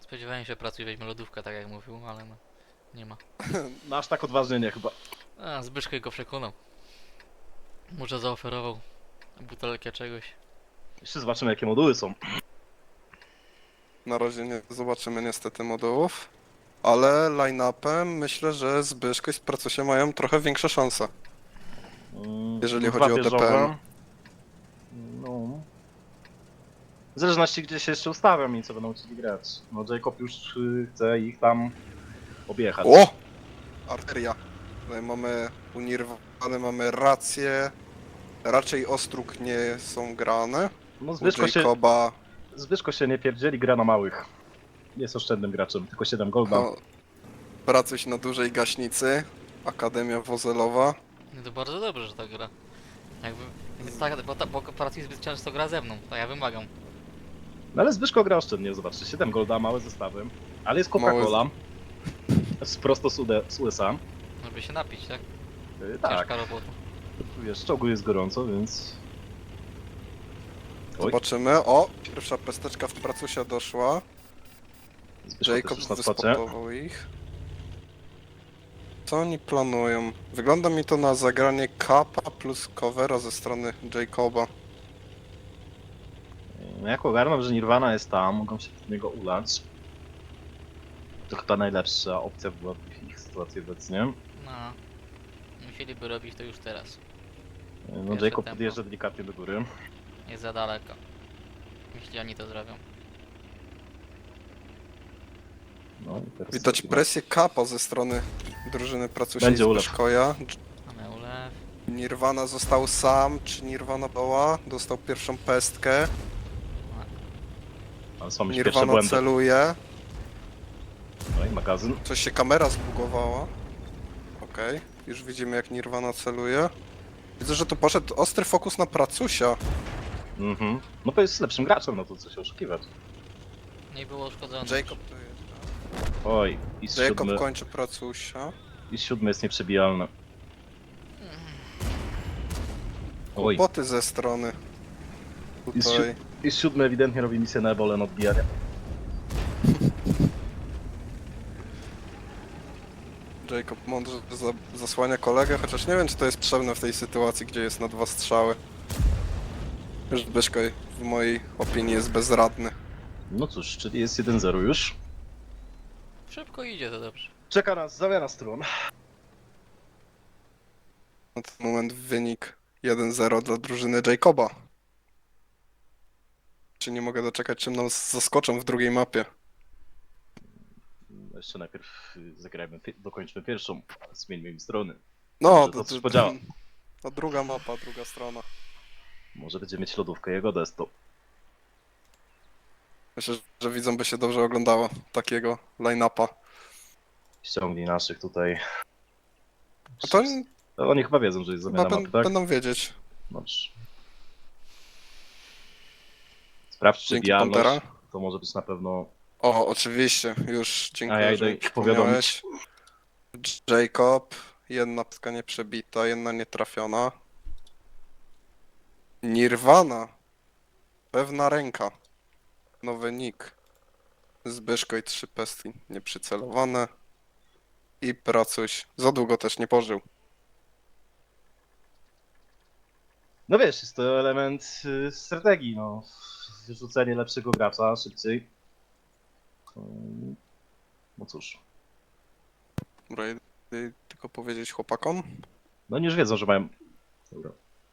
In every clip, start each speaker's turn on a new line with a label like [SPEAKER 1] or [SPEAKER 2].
[SPEAKER 1] Spodziewałem się, że pracuj weźmie lodówkę, tak jak mówił, ale no, nie ma.
[SPEAKER 2] No aż tak odważnie nie chyba.
[SPEAKER 1] A, Zbyszko go przekonał. Może zaoferował butelkę czegoś.
[SPEAKER 2] Jeszcze zobaczymy jakie moduły są.
[SPEAKER 3] Na razie nie zobaczymy niestety modułów, ale line-upem myślę, że Zbyszko i Spracusie mają trochę większe szanse, jeżeli
[SPEAKER 2] Dwa
[SPEAKER 3] chodzi o
[SPEAKER 2] wieżowe.
[SPEAKER 3] DPM.
[SPEAKER 2] No. W zależności gdzie się jeszcze ustawiam i co będą chcieli grać. No Jacob już chce ich tam objechać.
[SPEAKER 3] O! Arteria. Tutaj mamy unirwane, mamy rację. Raczej Ostróg nie są grane.
[SPEAKER 2] No
[SPEAKER 3] U Jacoba
[SPEAKER 2] Zbyszko się nie pierdzieli, gra na małych. Jest oszczędnym graczem, tylko 7 golda.
[SPEAKER 3] no, Pracuś na dużej gaśnicy. Akademia Wozelowa.
[SPEAKER 1] No to bardzo dobrze, że tak gra. Jakby... Tak, bo pracuj zbyt często gra ze mną, to ja wymagam.
[SPEAKER 2] No ale Zbyszko gra oszczędnie, zobaczcie, 7 golda, małe zestawy. Ale jest Coca-Cola. Prosto z USA.
[SPEAKER 1] Żeby się napić, tak?
[SPEAKER 2] Tak,
[SPEAKER 1] Ciężka robota.
[SPEAKER 2] wiesz, w czołgu jest gorąco, więc... Oj,
[SPEAKER 3] Zobaczymy. O! Pierwsza pesteczka w Pracusia doszła.
[SPEAKER 2] Zbyszko
[SPEAKER 3] Jacob
[SPEAKER 2] też już na spocie.
[SPEAKER 3] wyspotował ich. Co oni planują? Wygląda mi to na zagranie Kappa plus covera ze strony Jacoba.
[SPEAKER 2] No jak ogarnął, że Nirvana jest tam, mogą się od niego ulać. To chyba najlepsza opcja była w ich sytuacji obecnie.
[SPEAKER 1] No. Musieliby robić to już teraz.
[SPEAKER 2] No
[SPEAKER 1] Pierwsze
[SPEAKER 2] Jacob
[SPEAKER 1] tempo.
[SPEAKER 2] podjeżdża delikatnie do góry.
[SPEAKER 1] Jest za daleko. Jeśli oni to zrobią.
[SPEAKER 2] No, i teraz
[SPEAKER 3] Widać
[SPEAKER 2] sobie-
[SPEAKER 3] presję Kappa ze strony drużyny Pracusia
[SPEAKER 2] Będzie
[SPEAKER 3] i
[SPEAKER 2] ulew.
[SPEAKER 3] Zbyszkoja.
[SPEAKER 1] Mamy ulew.
[SPEAKER 3] Nirvana został sam, czy Nirvana była? Dostał pierwszą pestkę.
[SPEAKER 2] Ale są już pierwsze
[SPEAKER 3] Nirvana
[SPEAKER 2] błędy.
[SPEAKER 3] celuje.
[SPEAKER 2] No i magazyn.
[SPEAKER 3] Coś się kamera zbugowała. Okej, już widzimy jak Nirvana celuje. Widzę, że tu poszedł ostry fokus na Pracusia.
[SPEAKER 2] Mhm. No to jest lepszym graczem, no to co się oszukiwać.
[SPEAKER 1] Nie było uszkodzone.
[SPEAKER 3] Jacob to jest.
[SPEAKER 2] Oj, i z
[SPEAKER 3] Jacob
[SPEAKER 2] siódmy,
[SPEAKER 3] kończy Pracusia.
[SPEAKER 2] i z siódmy jest nieprzebijalny. Oj,
[SPEAKER 3] Kłopoty ze strony.
[SPEAKER 2] I z
[SPEAKER 3] Tutaj.
[SPEAKER 2] i z siódmy ewidentnie robi misję na ebole na odbijanie.
[SPEAKER 3] Jacob mądrze zasłania kolegę, chociaż nie wiem, czy to jest potrzebne w tej sytuacji, gdzie jest na 2 strzały. Zbyszko w mojej opinii jest bezradny.
[SPEAKER 2] No cóż, czyli jest 1-0 już.
[SPEAKER 1] Szybko idzie, to dobrze.
[SPEAKER 2] Czeka nas zamiana stron.
[SPEAKER 3] Na ten moment wynik 1-0 dla drużyny Jacoba. Czy nie mogę doczekać, czym nas zaskoczą w drugiej mapie.
[SPEAKER 2] Jeszcze najpierw zagrajmy, dokończmy pierwszą. Zmieńmy im strony.
[SPEAKER 3] No,
[SPEAKER 2] Może to coś podziała.
[SPEAKER 3] to druga mapa, druga strona.
[SPEAKER 2] Może będzie mieć lodówkę jego desto.
[SPEAKER 3] Myślę, że widzom by się dobrze oglądało takiego line-upa.
[SPEAKER 2] Ściągnij naszych tutaj.
[SPEAKER 3] A to
[SPEAKER 2] Oni chyba wiedzą, że jest
[SPEAKER 3] chyba
[SPEAKER 2] zamiana mapy, tak?
[SPEAKER 3] będą wiedzieć.
[SPEAKER 2] Dobrze. Sprawdź
[SPEAKER 3] Dzięki
[SPEAKER 2] przebijalność.
[SPEAKER 3] Pantera.
[SPEAKER 2] To może być na pewno...
[SPEAKER 3] O, oczywiście, już dziękuję,
[SPEAKER 2] A ja idę
[SPEAKER 3] że mi
[SPEAKER 2] ich powiadomić.
[SPEAKER 3] przypomniałeś. Jacob, jedna pska nieprzebita, jedna nietrafiona. Nirvana, pewna ręka, nowy nick. Zbyszko i 3 pestki nieprzycelowane. I Pracuś, za długo też nie pożył.
[SPEAKER 2] No wiesz, jest to element strategii, no. Wyrzucenie lepszego gracza szybciej. No cóż.
[SPEAKER 3] Dobra, tylko powiedzieć chłopakom.
[SPEAKER 2] No oni już wiedzą, że mają... Dobra.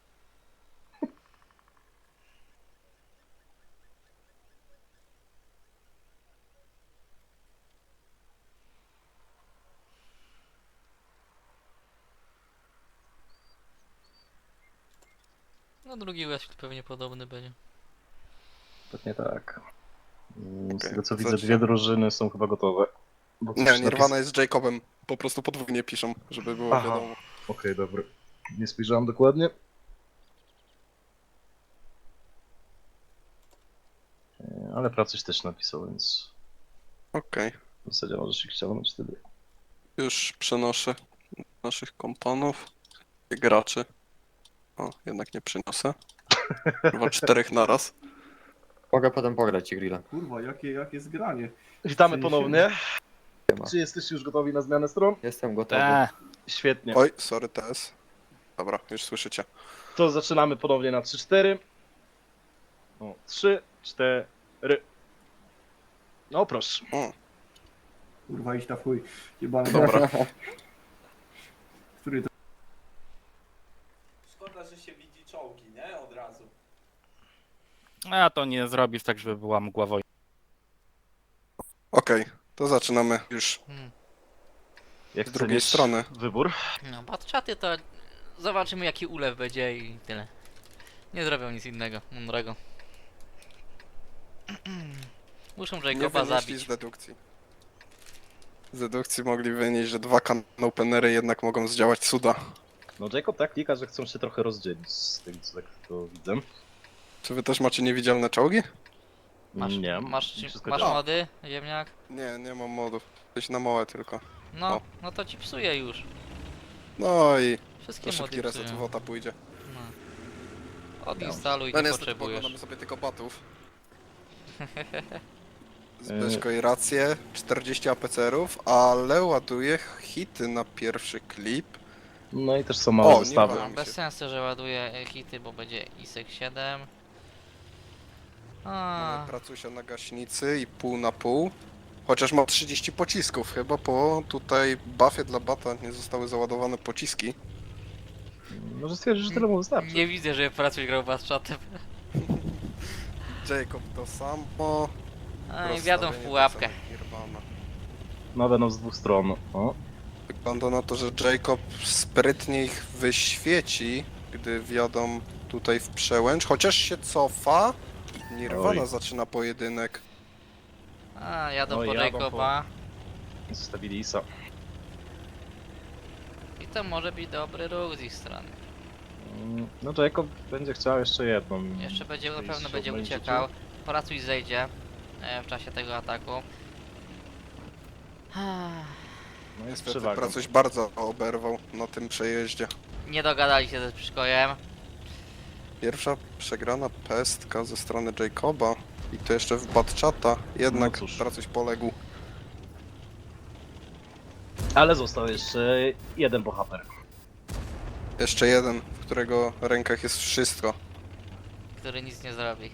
[SPEAKER 1] No drugi Westfield pewnie podobny będzie.
[SPEAKER 2] Pewnie tak. Z
[SPEAKER 3] Okej,
[SPEAKER 2] tego co
[SPEAKER 3] to
[SPEAKER 2] widzę,
[SPEAKER 3] zacznę.
[SPEAKER 2] dwie drużyny są chyba gotowe. Bo coś
[SPEAKER 3] Nie, Nirvana jest z Jacobem. Po prostu podwójnie piszą, żeby było
[SPEAKER 2] Aha.
[SPEAKER 3] wiadomo.
[SPEAKER 2] Okej, dobra. Nie spojrzałem dokładnie. Ale Pracuś też napisał, więc
[SPEAKER 3] Okej,
[SPEAKER 2] w zasadzie możesz ich ściągnąć wtedy.
[SPEAKER 3] już przenoszę naszych kompanów, graczy. O, jednak nie przyniosę. Chyba 4 naraz.
[SPEAKER 4] Mogę potem pograć ci grilla.
[SPEAKER 5] Kurwa, jakie zgranie.
[SPEAKER 2] Witamy
[SPEAKER 5] Się
[SPEAKER 2] ponownie.
[SPEAKER 4] Siema.
[SPEAKER 2] Czy jesteście już gotowi na zmianę stron?
[SPEAKER 4] Jestem gotowy.
[SPEAKER 2] Świetnie.
[SPEAKER 3] Oj, sorry TS. Dobra, już słyszycie.
[SPEAKER 2] To zaczynamy ponownie na 3-4. O, 3, 4. No proszę.
[SPEAKER 5] Kurwa, iść na chuj. Jebany.
[SPEAKER 3] Dobra.
[SPEAKER 5] Który to...
[SPEAKER 6] Szkoda, że się widzi czołgi, nie? Od razu.
[SPEAKER 7] A to nie zrobisz tak, żeby była mgła wojny.
[SPEAKER 3] Okej, to zaczynamy już
[SPEAKER 2] Jak
[SPEAKER 3] z drugiej
[SPEAKER 2] chcesz
[SPEAKER 3] strony.
[SPEAKER 2] wybór?
[SPEAKER 1] No, batczaty to zobaczymy jaki ulew będzie i tyle. Nie zrobią nic innego, mądrego. Muszą
[SPEAKER 3] Nie
[SPEAKER 1] Jacoba
[SPEAKER 3] wynieśli
[SPEAKER 1] zabić.
[SPEAKER 3] z dedukcji. Z dedukcji mogli wynieść, że dwa openery jednak mogą zdziałać cuda.
[SPEAKER 2] No Jacob tak klika, że chcą się trochę rozdzielić z tym, co tak to widzę.
[SPEAKER 3] Czy wy też macie niewidzialne czołgi?
[SPEAKER 2] Nie,
[SPEAKER 1] masz
[SPEAKER 2] wszystko
[SPEAKER 1] masz
[SPEAKER 2] działa.
[SPEAKER 1] mody, ziemniak?
[SPEAKER 3] Nie, nie mam modów. Coś na małe tylko.
[SPEAKER 1] No,
[SPEAKER 3] O.
[SPEAKER 1] no to ci psuje już.
[SPEAKER 3] No i
[SPEAKER 1] Wszystkie
[SPEAKER 3] to szybki
[SPEAKER 1] mody
[SPEAKER 3] reset
[SPEAKER 1] psują.
[SPEAKER 3] WOTA pójdzie.
[SPEAKER 1] No. Odinstaluj,
[SPEAKER 3] No
[SPEAKER 1] nie
[SPEAKER 3] niestety
[SPEAKER 1] potrzebujesz.
[SPEAKER 3] poglądamy sobie tylko batów. Zbyszko i rację, 40 APCR-ów, ale ładuje hity na pierwszy klip.
[SPEAKER 2] No i też są małe
[SPEAKER 3] O, nie
[SPEAKER 2] zestawy.
[SPEAKER 3] ma.
[SPEAKER 1] No, bez sensu, że ładuje hity, bo będzie ISEK 7. A,
[SPEAKER 3] Mamy pracusia na gaśnicy i pół na pół. Chociaż ma 30 pocisków chyba, bo tutaj buffie dla bata nie zostały załadowane pociski.
[SPEAKER 2] Może stwierdzić, że tyle mu wystarczy.
[SPEAKER 1] nie widzę, że pracuś grał batczatem.
[SPEAKER 3] Jacob to samo.
[SPEAKER 1] A i wjadą w
[SPEAKER 3] Rozstawienie
[SPEAKER 1] pułapkę.
[SPEAKER 3] tak samo Nirvana.
[SPEAKER 2] No będą z dwóch stron. O.
[SPEAKER 3] Wygląda na to, że Jacob sprytnie ich wyświeci, gdy wjadą tutaj w przełęcz, chociaż się cofa. Nirvana
[SPEAKER 2] Oj.
[SPEAKER 3] zaczyna pojedynek.
[SPEAKER 1] A, jadą
[SPEAKER 2] Oj,
[SPEAKER 1] po
[SPEAKER 2] jadą
[SPEAKER 1] Jacoba.
[SPEAKER 2] Zostawili Isa.
[SPEAKER 1] I to może być dobry ruch z ich strony.
[SPEAKER 2] No Jacob będzie chciał jeszcze jedną.
[SPEAKER 1] Jeszcze będzie, na
[SPEAKER 2] tej
[SPEAKER 1] pewno będzie
[SPEAKER 2] siódmej
[SPEAKER 1] uciekał. Pracuś zejdzie w czasie tego ataku.
[SPEAKER 2] No jest
[SPEAKER 3] Niestety
[SPEAKER 2] przewagą.
[SPEAKER 3] Pracuś bardzo oberwał na tym przejeździe.
[SPEAKER 1] Nie dogadali się ze Przyczkojem.
[SPEAKER 3] Pierwsza przegrana pestka ze strony Jacoba i to jeszcze w Batchata, jednak
[SPEAKER 2] No cóż.
[SPEAKER 3] Pracuś poległ.
[SPEAKER 2] Ale został jeszcze jeden bohater.
[SPEAKER 3] Jeszcze jeden, w którego rękach jest wszystko.
[SPEAKER 1] Który nic nie zrobi.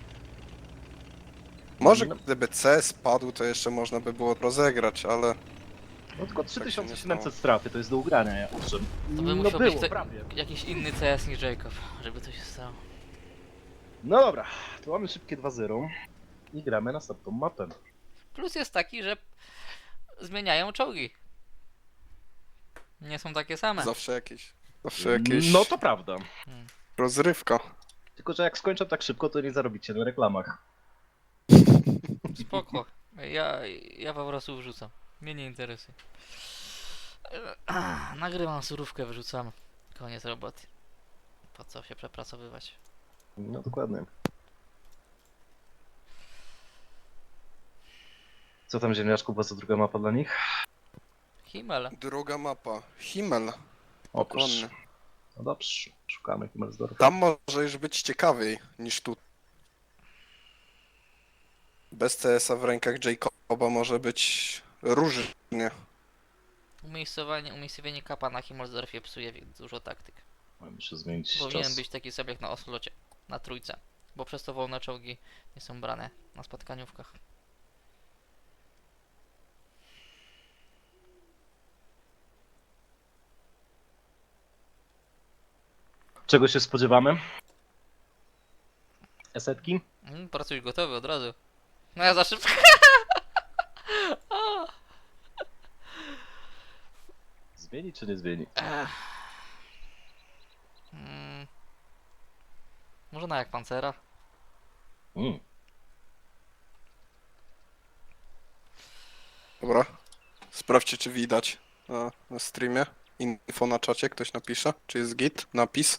[SPEAKER 3] Może
[SPEAKER 2] No.
[SPEAKER 3] gdyby C spadł, to jeszcze można by było rozegrać, ale
[SPEAKER 2] No tylko
[SPEAKER 3] Tak się nie
[SPEAKER 2] 3700 straty, to jest do ugrania, owszem.
[SPEAKER 1] To by
[SPEAKER 2] No
[SPEAKER 1] musiał
[SPEAKER 2] było,
[SPEAKER 1] być to-
[SPEAKER 2] prawie.
[SPEAKER 1] Jakiś inny CS niż Jacob, żeby to się stało.
[SPEAKER 2] No dobra, to mamy szybkie 2-0 i gramy następną mapę.
[SPEAKER 1] Plus jest taki, że zmieniają czołgi. Nie są takie same.
[SPEAKER 3] zawsze jakieś
[SPEAKER 2] No to prawda.
[SPEAKER 3] rozrywka.
[SPEAKER 2] Tylko, że jak skończę tak szybko, to nie zarobicie na reklamach.
[SPEAKER 1] Spoko. Ja po prostu wrzucam. Mnie nie interesuje. Nagrywam surówkę, wyrzucam. Koniec roboty. Po co się przepracowywać?
[SPEAKER 2] No dokładnie. Co tam ziemniaczku, po co druga mapa dla nich?
[SPEAKER 1] Himmel.
[SPEAKER 3] Druga mapa. Himmel.
[SPEAKER 2] O,
[SPEAKER 3] Dokładnie.
[SPEAKER 2] proszę. No dobrze, szukamy Himmelsdorfa.
[SPEAKER 3] Tam może już być ciekawiej niż tu. Bez CS-a w rękach Jacoba może być różnie.
[SPEAKER 1] Umiejscowienie kapa na Himmelsdorfie psuje dużo taktyk.
[SPEAKER 2] Muszę zmienić
[SPEAKER 1] Powinien
[SPEAKER 2] czas.
[SPEAKER 1] być taki sobie jak na Oslocie. Na trójce. Bo przez to wolne czołgi nie są brane na spotkaniówkach.
[SPEAKER 2] Czego się spodziewamy? Esetki?
[SPEAKER 1] Pracuj gotowy od razu. No ja za szybko. O!
[SPEAKER 2] Zmieni czy nie zmieni?
[SPEAKER 1] Ech. Może na jak pancera?
[SPEAKER 2] Mm.
[SPEAKER 3] Dobra. Sprawdźcie, czy widać na streamie. Info na czacie, ktoś napisze. Czy jest git? Napis.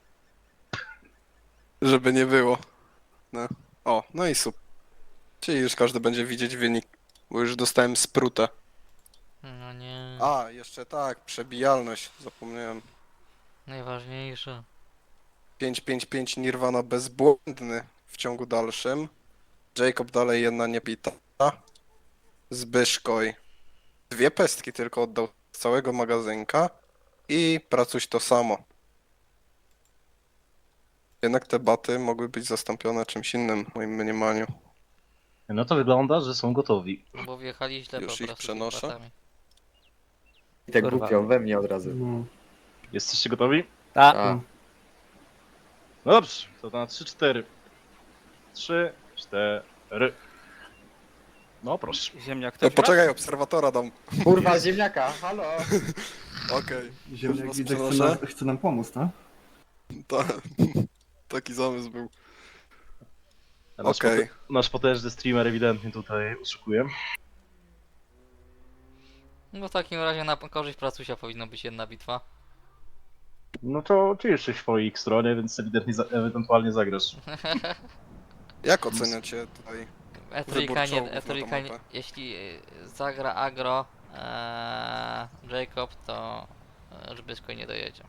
[SPEAKER 3] Żeby nie było. No. O, no i super. Czyli już każdy będzie widzieć wynik. Bo już dostałem sprutę.
[SPEAKER 1] No nie.
[SPEAKER 3] A, jeszcze tak, przebijalność. Zapomniałem.
[SPEAKER 1] Najważniejsze.
[SPEAKER 3] 5-5-5 Nirvana bezbłędny w ciągu dalszym. Jacob dalej jedna niebita. Zbyszkoj 2 pestki tylko oddał z całego magazynka. I Pracuś to samo. Jednak te baty mogły być zastąpione czymś innym w moim mniemaniu.
[SPEAKER 2] No to wygląda, że są gotowi.
[SPEAKER 1] No bo wjechali źle
[SPEAKER 3] Już
[SPEAKER 1] po
[SPEAKER 3] ich
[SPEAKER 1] prostu
[SPEAKER 3] przenoszę.
[SPEAKER 1] batami.
[SPEAKER 4] I tak
[SPEAKER 7] Kurwa.
[SPEAKER 4] głupio we mnie od razu.
[SPEAKER 5] No.
[SPEAKER 2] Jesteście gotowi?
[SPEAKER 7] A,
[SPEAKER 4] A,
[SPEAKER 2] No dobrze, to na 3-4. 3, 4. No proszę.
[SPEAKER 7] ziemniak
[SPEAKER 3] No,
[SPEAKER 7] też
[SPEAKER 3] poczekaj, obserwatora dam.
[SPEAKER 4] kurwa, ziemniaka, halo!
[SPEAKER 3] Okej.
[SPEAKER 5] Ziemniak
[SPEAKER 3] Was
[SPEAKER 5] widzę,
[SPEAKER 3] przenoszę?
[SPEAKER 5] chce nam pomóc, tak?
[SPEAKER 3] Taki zamysł był.
[SPEAKER 2] A nasz,
[SPEAKER 3] Okej.
[SPEAKER 2] nasz potężny streamer ewidentnie tutaj oszukuje.
[SPEAKER 1] No w takim razie na korzyść Pracusia powinno być jedna bitwa.
[SPEAKER 2] No to ty jesteś po ich stronie, więc ewidentnie ewentualnie zagrasz.
[SPEAKER 3] Jak oceniacie tutaj? Wybór
[SPEAKER 1] E3
[SPEAKER 3] czołgów
[SPEAKER 1] nie,
[SPEAKER 3] na tą
[SPEAKER 1] E3
[SPEAKER 3] mapę.
[SPEAKER 1] jeśli zagra agro Jacob, to Zbyszko nie dojedzie.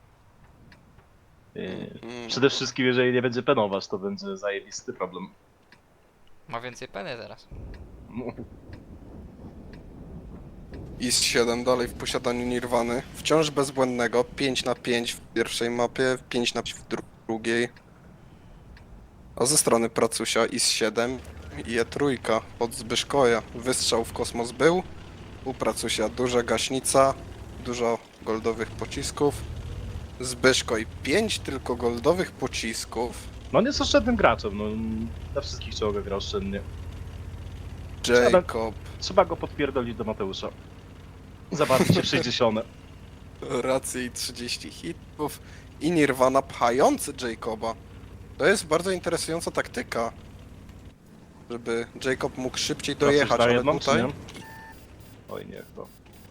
[SPEAKER 2] Przede wszystkim, jeżeli nie będzie penować, to będzie zajebisty problem.
[SPEAKER 1] Ma więcej peny teraz.
[SPEAKER 2] No,
[SPEAKER 3] IS-7 dalej w posiadaniu Nirwany. Wciąż bezbłędnego. 5 na 5 w pierwszej mapie, 5 na 5 w drugiej. A ze strony Pracusia IS-7 i E3 od Zbyszkoja. Wystrzał w kosmos był. U Pracusia duża gaśnica, dużo goldowych pocisków. Zbyszkoj 5 tylko goldowych pocisków.
[SPEAKER 2] no nie jest oszczędnym graczem, no na wszystkich czołgach gra oszczędnie.
[SPEAKER 3] Jacob
[SPEAKER 2] Trzeba go podpierdolić do Mateusza. Zabawić się w 60.
[SPEAKER 3] rację i 30 hitów. I Nirvana pchający Jacoba. To jest bardzo interesująca taktyka. Żeby Jacob mógł szybciej dojechać,
[SPEAKER 2] Trafisz na
[SPEAKER 3] ale
[SPEAKER 2] jedną,
[SPEAKER 3] tutaj...
[SPEAKER 2] czy nie? Oj nie, chyba.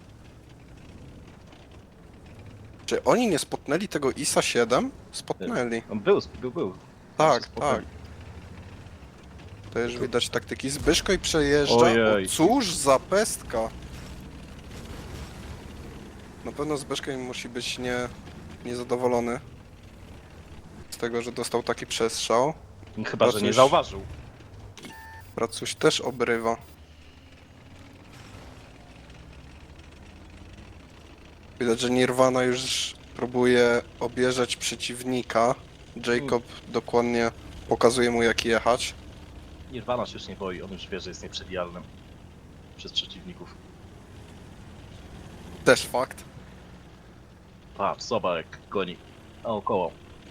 [SPEAKER 3] Czy oni nie spotnęli tego ISA 7? Spotnęli.
[SPEAKER 2] On był.
[SPEAKER 3] Tak,
[SPEAKER 2] Spokojnie.
[SPEAKER 3] tak. To już widać taktyki. Zbyszko i przejeżdża.
[SPEAKER 2] Ojej.
[SPEAKER 3] O, cóż za pestka. Na pewno Zbyszko musi być niezadowolony z tego, że dostał taki przestrzał.
[SPEAKER 2] Chyba, że nie
[SPEAKER 3] Pracuś.
[SPEAKER 2] zauważył.
[SPEAKER 3] Pracuś też obrywa. Widać, że Nirvana już próbuje obierzeć przeciwnika. Jacob dokładnie pokazuje mu, jak jechać.
[SPEAKER 2] Nirvana się już nie boi, on już wie, że jest nieprzebijalny przez przeciwników.
[SPEAKER 3] Też fakt.
[SPEAKER 2] Patrz, zobacz jak goni naokoło.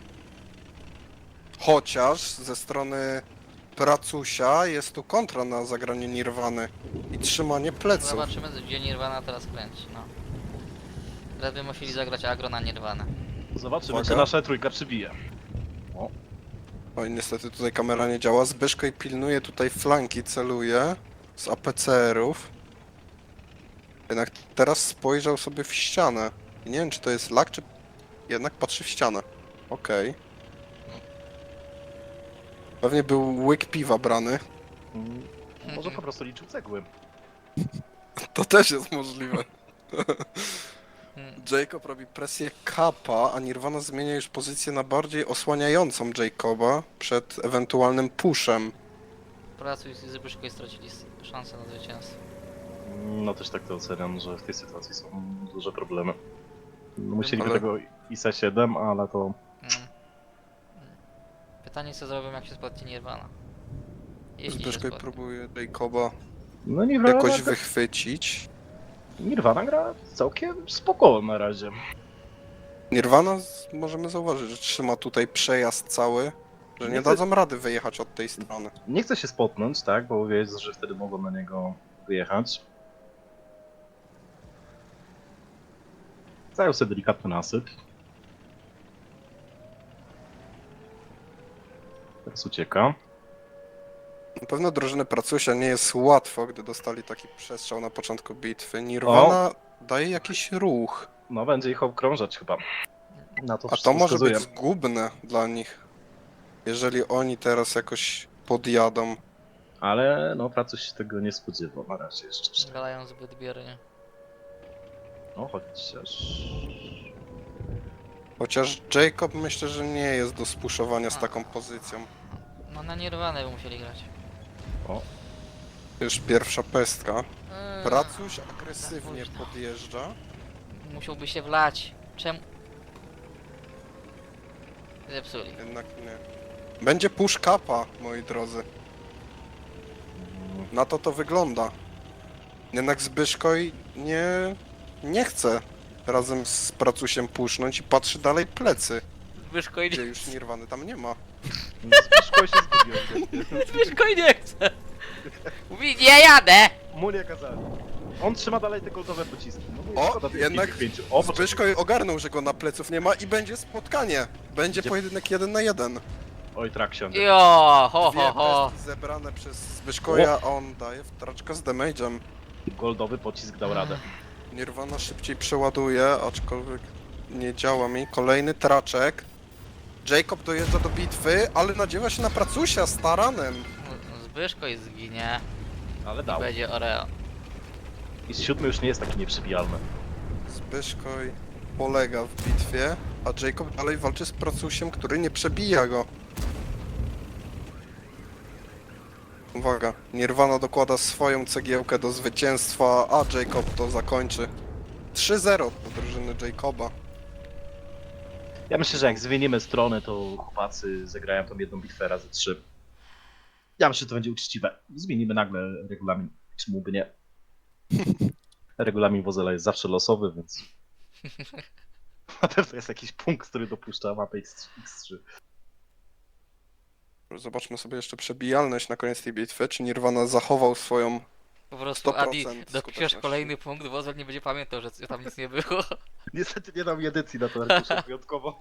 [SPEAKER 3] Chociaż ze strony Pracusia jest tu kontra na zagranie Nirwany i trzymanie pleców.
[SPEAKER 1] Zobaczymy, gdzie Nirvana teraz kręci. No. Teraz by musieli zagrać agro na Nirvanę.
[SPEAKER 2] Zobaczymy,
[SPEAKER 3] Uwaga.
[SPEAKER 2] czy nasza trójka przybije.
[SPEAKER 3] Oj, niestety tutaj kamera nie działa. Zbyszko i pilnuje tutaj flanki, celuje z APCR-ów. Jednak teraz spojrzał sobie w ścianę. I nie wiem, czy to jest lag, czy jednak patrzy w ścianę. Okej. Pewnie był łyk piwa brany.
[SPEAKER 2] Może po prostu liczył cegły.
[SPEAKER 3] To też jest możliwe.
[SPEAKER 1] Hmm.
[SPEAKER 3] Jacob robi presję kapa, a Nirvana zmienia już pozycję na bardziej osłaniającą Jacoba przed ewentualnym pushem.
[SPEAKER 1] Pracuj i Zbyszko stracili szansę na zwycięstwo.
[SPEAKER 2] No też tak to oceniam, że w tej sytuacji są duże problemy. No, musieliby
[SPEAKER 3] Ale-
[SPEAKER 2] tego ISA 7, ale to...
[SPEAKER 1] Mm. Pytanie co zrobią jak się spotnie Nirvana. Jeśli się
[SPEAKER 3] Zbyszko
[SPEAKER 1] spotnie.
[SPEAKER 3] próbuje Jacoba
[SPEAKER 2] No Nirvana,
[SPEAKER 3] jakoś wychwycić.
[SPEAKER 2] Nirvana gra całkiem spokojnie na razie.
[SPEAKER 3] Nirvana możemy zauważyć, że trzyma tutaj przejazd cały, że nie
[SPEAKER 2] Nie
[SPEAKER 3] dadzą rady wyjechać od tej strony.
[SPEAKER 2] Nie chce się spotnąć, tak, bo wie, że wtedy mogą na niego wyjechać. Zajął sobie delikatny nasyp. Teraz ucieka.
[SPEAKER 3] Na pewno drużyny Pracusia nie jest łatwo, gdy dostali taki przestrzał na początku bitwy. Nirvana daje jakiś ruch,
[SPEAKER 2] No, będzie ich okrążać chyba. Na to
[SPEAKER 3] a
[SPEAKER 2] wszystko
[SPEAKER 3] to może
[SPEAKER 2] wskazuje.
[SPEAKER 3] być zgubne dla nich, jeżeli oni teraz jakoś podjadą.
[SPEAKER 2] Ale no, Pracuś się tego nie spodziewał na razie jeszcze.
[SPEAKER 1] Gadają zbyt biernie.
[SPEAKER 2] No, chociaż...
[SPEAKER 3] Chociaż Jacob myślę, że nie jest do spuszowania z taką pozycją.
[SPEAKER 1] No na Nirvanę by musieli grać.
[SPEAKER 2] O,
[SPEAKER 3] Już pierwsza pestka.
[SPEAKER 1] Eee,
[SPEAKER 3] Pracuś agresywnie
[SPEAKER 1] późno.
[SPEAKER 3] podjeżdża.
[SPEAKER 1] Musiałby się wlać. Czemu? Zepsuli.
[SPEAKER 3] Jednak nie. Będzie push kapa, moi drodzy. Na to wygląda. Jednak Zbyszkoj nie chce razem z Pracusiem pusznąć i patrzy dalej plecy.
[SPEAKER 1] Zbyszko
[SPEAKER 3] Gdzie
[SPEAKER 1] idzie.
[SPEAKER 3] już Nirwany tam nie ma.
[SPEAKER 2] Zbyszko się zgubił.
[SPEAKER 1] Zbyszko nie chce. Mówi, nie jadę!
[SPEAKER 2] Mu nie kazali. On trzyma dalej te goldowe pociski. No, bo
[SPEAKER 3] O,
[SPEAKER 2] szkoda tych
[SPEAKER 3] jednak
[SPEAKER 2] pięciu. O, poczekaj.
[SPEAKER 3] Zbyszkoj ogarnął, że go na pleców nie ma i będzie spotkanie. Będzie
[SPEAKER 2] Gdzie-
[SPEAKER 3] pojedynek 1 na 1.
[SPEAKER 2] Oj, trak siądzie.
[SPEAKER 1] Jo, ho,
[SPEAKER 3] Dwie
[SPEAKER 1] ho, ho.
[SPEAKER 3] pestki zebrane przez Zbyszkoja, a on daje wtraczka z damage'em.
[SPEAKER 2] Goldowy pocisk dał radę.
[SPEAKER 3] Nirvana szybciej przeładuje, aczkolwiek nie działa mi. Kolejny traczek. Jacob dojeżdża do bitwy, ale nadziewa się na Pracusia z taranem.
[SPEAKER 1] Zbyszko i zginie.
[SPEAKER 2] Ale
[SPEAKER 1] I
[SPEAKER 2] dał.
[SPEAKER 1] będzie Oreo.
[SPEAKER 2] I z 7 już nie jest taki nieprzebijalny.
[SPEAKER 3] Zbyszkoj polega w bitwie, a Jacob dalej walczy z Pracusiem, który nie przebija go. Uwaga, Nirvana dokłada swoją cegiełkę do zwycięstwa, a Jacob to zakończy. 3-0 do drużyny Jacoba.
[SPEAKER 2] Ja myślę, że jak zmienimy stronę, to chłopacy zagrają tą jedną bitwę razy 3. Ja myślę, że to będzie uczciwe. Zmienimy nagle regulamin. Czemu by nie? Regulamin Wozela jest zawsze losowy, więc... Na pewno jest jakiś punkt, który dopuszcza mapę X3.
[SPEAKER 3] Zobaczmy sobie jeszcze przebijalność na koniec tej bitwy, czy Nirvana zachował swoją...
[SPEAKER 1] Po prostu
[SPEAKER 3] 100%
[SPEAKER 1] Adi, dopiszesz
[SPEAKER 3] skuteczności.
[SPEAKER 1] kolejny punkt, Wozel nie będzie pamiętał, że tam nic nie było.
[SPEAKER 2] Niestety nie dam edycji na to arkusze wyjątkowo.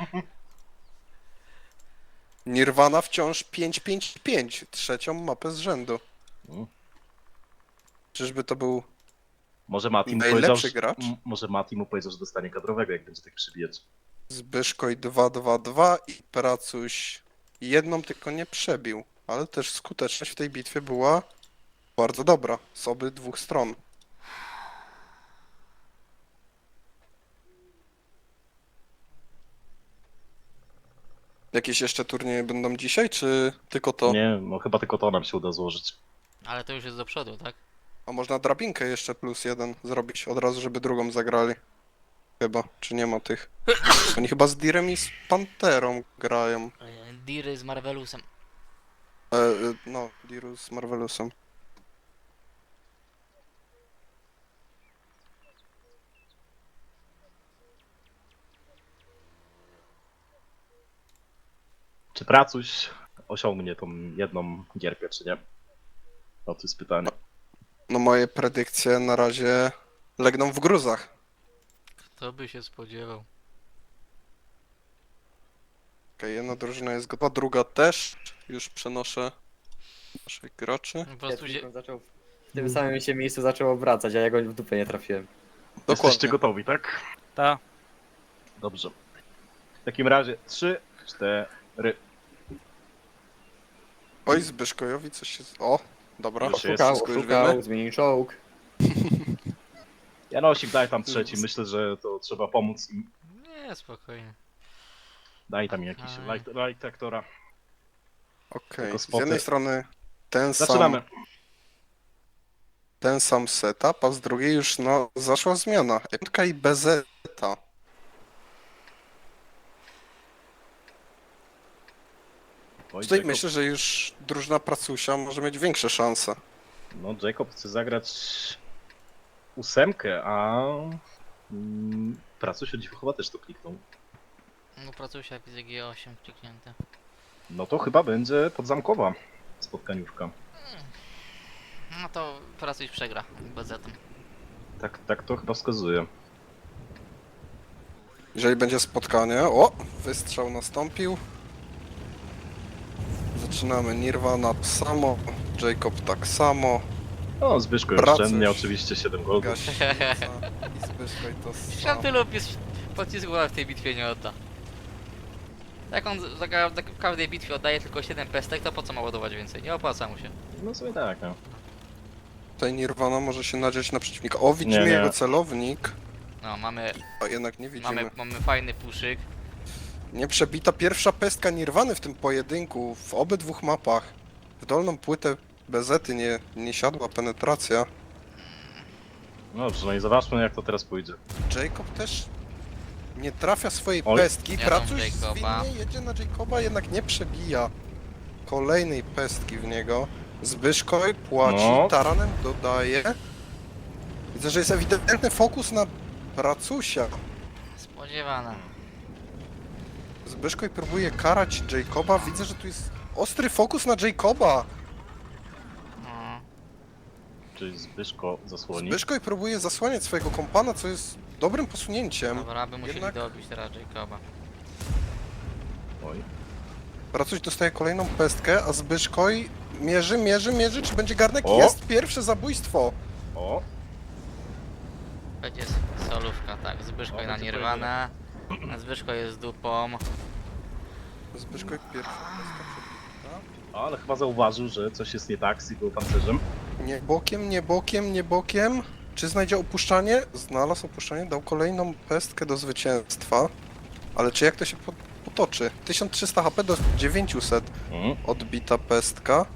[SPEAKER 3] Nirvana wciąż 5-5-5, trzecią mapę z rzędu.
[SPEAKER 2] Mm.
[SPEAKER 3] Czyżby to był...
[SPEAKER 2] Może Mati mu
[SPEAKER 3] Najlepszy
[SPEAKER 2] powiedział, że,
[SPEAKER 3] gracz?
[SPEAKER 2] może Mati mu powiedział, że dostanie kadrowego, jak będzie tak przybijać.
[SPEAKER 3] Zbyszkoj 2-2-2 i Pracuś jedną tylko nie przebił, ale też skuteczność w tej bitwie była bardzo dobra z obydwu stron. Jakieś jeszcze turnieje będą dzisiaj, czy tylko to?
[SPEAKER 2] Nie, no chyba tylko to nam się uda złożyć.
[SPEAKER 1] Ale to już jest do przodu, tak?
[SPEAKER 3] A można drabinkę jeszcze +1 zrobić od razu, żeby drugą zagrali. Chyba, czy nie ma tych? Oni chyba z Direm i z Panterą grają.
[SPEAKER 1] Diry z Marvelusem.
[SPEAKER 3] No, Diru z Marvelusem.
[SPEAKER 2] Czy Pracuś osiągnie tą jedną gierkę, czy nie? No to jest pytanie.
[SPEAKER 3] No moje predykcje na razie legną w gruzach.
[SPEAKER 1] Kto by się spodziewał?
[SPEAKER 3] Okej, jedna drużyna jest gotowa, druga też. Już przenoszę naszych graczy.
[SPEAKER 1] Po prostu się...
[SPEAKER 4] Zaczął w tym samym się miejscu zaczął obracać, a ja go w dupę nie trafiłem.
[SPEAKER 2] Jesteście
[SPEAKER 3] Dokładnie.
[SPEAKER 2] gotowi, tak?
[SPEAKER 7] Ta.
[SPEAKER 2] Dobrze. W takim razie 3, 4.
[SPEAKER 3] Oj, Zbyszkojowi coś się... O, dobra.
[SPEAKER 2] Już jest,
[SPEAKER 4] Szukał,
[SPEAKER 3] wszystko już
[SPEAKER 4] szukał,
[SPEAKER 3] wiemy.
[SPEAKER 4] zmienił czołg.
[SPEAKER 2] Janosik, daj tam trzeci. Myślę, że to trzeba pomóc im.
[SPEAKER 1] Nie, spokojnie.
[SPEAKER 2] Daj tam jakiś light aktora.
[SPEAKER 3] Okej,
[SPEAKER 2] Tylko
[SPEAKER 3] z
[SPEAKER 2] spoty.
[SPEAKER 3] jednej strony
[SPEAKER 2] Zaczynamy.
[SPEAKER 3] ten sam setup, a z drugiej już no zaszła zmiana. Emka i Bezeta.
[SPEAKER 2] Oj,
[SPEAKER 3] Tutaj
[SPEAKER 2] Jacob,
[SPEAKER 3] myślę, że już drużyna Pracusia może mieć większe szanse.
[SPEAKER 2] No, Jacob chce zagrać 8, a Pracuś o dziwo chyba też to kliknął.
[SPEAKER 1] No pracusia widzę G8 kliknięte.
[SPEAKER 2] No to chyba będzie podzamkowa spotkaniówka.
[SPEAKER 1] No to pracuś przegra bezetem.
[SPEAKER 2] Tak to chyba wskazuje.
[SPEAKER 3] Jeżeli będzie spotkanie... O! Wystrzał nastąpił. Zaczynamy. Nirvana tak samo, Jacob tak samo,
[SPEAKER 2] No, Zbyszko
[SPEAKER 3] Pracuś.
[SPEAKER 2] oszczędnie, oczywiście 7 goldów.
[SPEAKER 3] Gaśnica i Zbyszko i to
[SPEAKER 1] Przecież
[SPEAKER 3] samo.
[SPEAKER 1] Antylop jest pocisku w tej bitwie nie odda. Jak on w każdej bitwie oddaje tylko 7 pestek, to po co ma ładować więcej? Nie opłaca mu się.
[SPEAKER 2] No sobie tak, no.
[SPEAKER 3] Tutaj Nirvana może się nadzieć na przeciwnika. O, widzimy
[SPEAKER 2] Nie, nie.
[SPEAKER 3] jego celownik,
[SPEAKER 1] No, mamy,
[SPEAKER 3] a jednak nie widzimy.
[SPEAKER 1] mamy fajny puszyk.
[SPEAKER 3] Nieprzebita pierwsza pestka Nirwany w tym pojedynku, w obydwu mapach. W dolną płytę Bezety nie siadła penetracja.
[SPEAKER 2] Dobrze, no i zobaczmy jak to teraz pójdzie.
[SPEAKER 3] Jacob też nie trafia swojej
[SPEAKER 2] Oj.
[SPEAKER 3] pestki.
[SPEAKER 1] Jadą
[SPEAKER 3] Pracuś
[SPEAKER 1] Jacoba.
[SPEAKER 3] zwinnie jedzie na Jacoba, jednak nie przebija kolejnej pestki w niego. Zbyszkoj płaci,
[SPEAKER 2] No.
[SPEAKER 3] taranem dodaje. Widzę, że jest ewidentny fokus na Pracusia.
[SPEAKER 1] Spodziewana.
[SPEAKER 3] Zbyszkoj próbuje karać Jacoba. Widzę, że tu jest ostry fokus na Jacoba.
[SPEAKER 1] No.
[SPEAKER 2] Czyli Zbyszko zasłoni.
[SPEAKER 3] Zbyszkoj próbuje zasłaniać swojego kompana, co jest dobrym posunięciem.
[SPEAKER 1] Dobra, by musieli
[SPEAKER 3] Jednak-
[SPEAKER 1] dobić teraz Jacoba.
[SPEAKER 2] Oj.
[SPEAKER 3] Pracuś dostaje kolejną pestkę, a Zbyszkoj mierzy, czy będzie garnek?
[SPEAKER 2] O!
[SPEAKER 3] Jest pierwsze zabójstwo.
[SPEAKER 2] O,
[SPEAKER 1] Będzie solówka, tak. Zbyszko
[SPEAKER 2] O,
[SPEAKER 1] na
[SPEAKER 2] będzie
[SPEAKER 1] Nirvana. A Zbyszko jest dupą.
[SPEAKER 3] Zbyszkoj pierwsza pestka przebita.
[SPEAKER 2] ale chyba zauważył, że coś jest nie tak z jego pancerzem.
[SPEAKER 3] Nie bokiem, nie bokiem, nie bokiem. Czy znajdzie opuszczanie? Znalazł opuszczanie, dał kolejną pestkę do zwycięstwa. Ale czy jak to się potoczy? 1300 HP do 900 odbita pestka.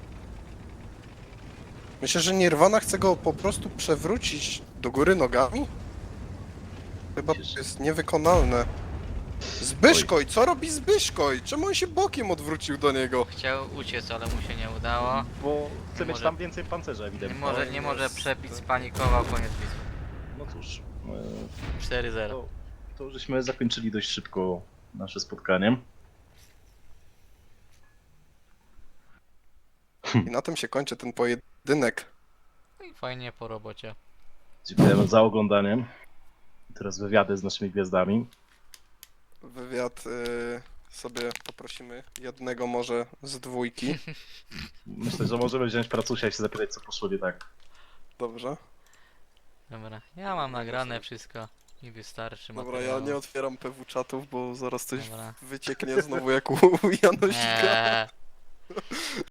[SPEAKER 3] Myślę, że Nirvana chce go po prostu przewrócić do góry nogami? Chyba to jest niewykonalne. Zbyszkoj, co robi Zbyszkoj? Czemu on się bokiem odwrócił do niego?
[SPEAKER 1] Chciał uciec, ale mu się nie udało.
[SPEAKER 2] Bo chce
[SPEAKER 1] Nie
[SPEAKER 2] mieć
[SPEAKER 1] może-
[SPEAKER 2] tam więcej pancerza
[SPEAKER 1] Nie
[SPEAKER 2] ewidentnie.
[SPEAKER 1] może, nie może
[SPEAKER 3] jest-
[SPEAKER 1] przebić, spanikował, koniec bitwy.
[SPEAKER 2] No cóż,
[SPEAKER 1] 4-0.
[SPEAKER 2] to żeśmy zakończyli dość szybko nasze spotkanie.
[SPEAKER 3] I na tym się kończy ten pojedynek.
[SPEAKER 1] No i fajnie po robocie.
[SPEAKER 2] Dziękujemy za oglądanie. Teraz wywiady z naszymi gwiazdami.
[SPEAKER 3] Wywiad sobie poprosimy jednego może z dwójki.
[SPEAKER 2] Myślę, że możemy wziąć Pracusia i się zapytać, co poszło nie tak.
[SPEAKER 3] Dobrze.
[SPEAKER 1] Dobra, ja mam nagrane wszystko i wystarczy
[SPEAKER 3] Dobra, ja
[SPEAKER 1] materiału.
[SPEAKER 3] nie otwieram PW czatów, bo zaraz coś
[SPEAKER 1] Dobra.
[SPEAKER 3] wycieknie znowu jak u Janosika.
[SPEAKER 1] Eee.